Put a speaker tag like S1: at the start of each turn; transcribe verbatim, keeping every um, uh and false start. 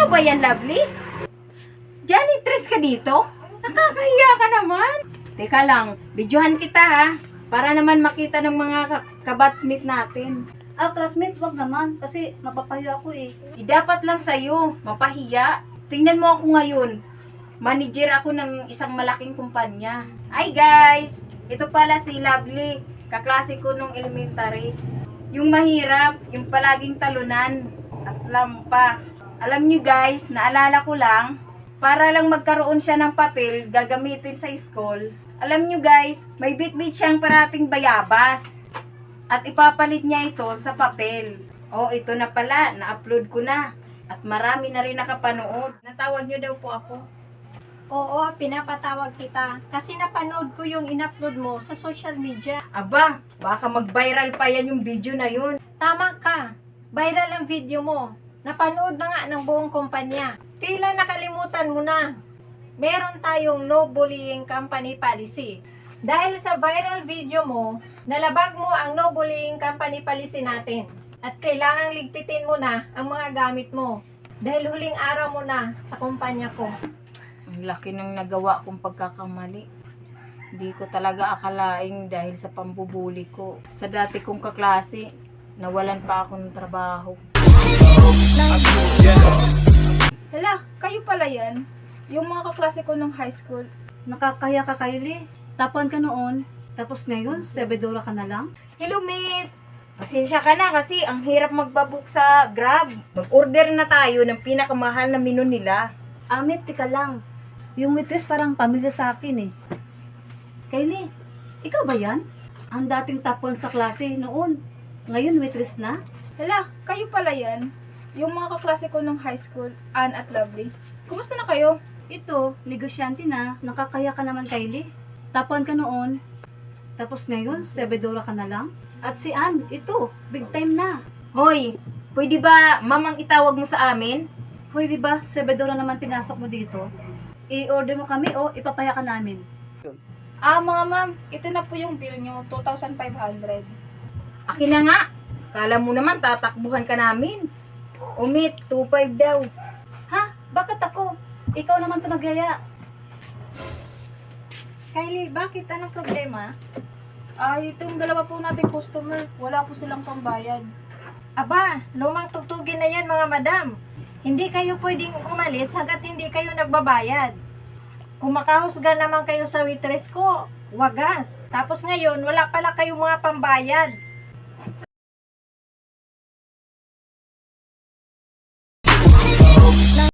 S1: Ikaw ba yan, Lovely? Janitress ka dito? Nakakahiya ka naman. Teka lang, videohan kita ha. Para naman makita ng mga ka- kabatsmate natin.
S2: Ah, classmate, wag naman. Kasi mapapahiya ako eh.
S1: Di dapat lang sa'yo, mapahiya. Tingnan mo ako ngayon. Manager ako ng isang malaking kumpanya. Hi guys! Ito pala si Lovely. Kaklase ko nung elementary. Yung mahirap, yung palaging talunan at lampa. Alam nyo guys, naalala ko lang, para lang magkaroon siya ng papel gagamitin sa school. Alam nyo guys, may bit-bit siyang parating bayabas. At ipapalit niya ito sa papel. Oh, ito na pala, na-upload ko na. At marami na rin nakapanood. Natawag nyo daw po ako.
S3: Oo, pinapatawag kita. Kasi napanood ko yung in-upload mo sa social media.
S1: Aba, baka mag-viral pa yan yung video na yun.
S3: Tama ka. Viral ang video mo. Napanood na nga ng buong kumpanya. Tila nakalimutan mo na. Meron tayong no bullying company policy. Dahil sa viral video mo, nalabag mo ang no bullying company policy natin. At kailangang ligpitin mo na ang mga gamit mo. Dahil huling araw mo na sa kumpanya ko.
S1: Ang laki ng nagawa kong pagkakamali. Hindi ko talaga akalaing dahil sa pambubuli ko. Sa dati kong kaklase, nawalan pa ako ng trabaho.
S4: Hala, kayo pala yan? Yung mga kaklase ko nung high school.
S2: Nakakaya ka, Kylie. Tapuan ka noon. Tapos ngayon, sebedora ka na lang.
S1: Hello, mate! Pasensya ka na kasi ang hirap magbabook sa Grab. Mag-order na tayo ng pinakamahal na menu nila.
S2: Amit, tika lang. Yung waitress parang pamilya sa akin eh. Kylie, ikaw ba yan? Ang dating top one sa klase noon. Ngayon waitress na?
S4: Hala, kayo pala yan? Yung mga kaklase ko nung high school, Ann at Lovely. Kumusta na kayo?
S2: Ito, negosyante na. Nakakaya ka naman, Kylie. Top one ka noon. Tapos ngayon, sebedora ka na lang. At si Ann, ito, big time na.
S1: Hoy, pwede ba mamang itawag mo sa amin?
S2: Hoy, di ba, sebedora naman pinasok mo dito? I-order mo kami o ipapaya ka namin.
S4: Ah, mga ma'am, ito na po yung bill nyo, two thousand five hundred.
S1: Akin na nga. Kala mo naman tatakbuhan ka namin. Umit, two five daw.
S2: Ha? Bakit ako? Ikaw naman ito nagyaya.
S3: Kylie, bakit? Anong problema?
S4: Ay, itong dalawa po nating customer, wala po silang pambayad.
S3: Aba, lumang tugtugin na yan mga madam. Hindi kayo pwedeng umalis hanggat hindi kayo nagbabayad. Kung makahusga naman kayo sa waitress ko, wagas. Tapos ngayon, wala pala kayong mga pambayad.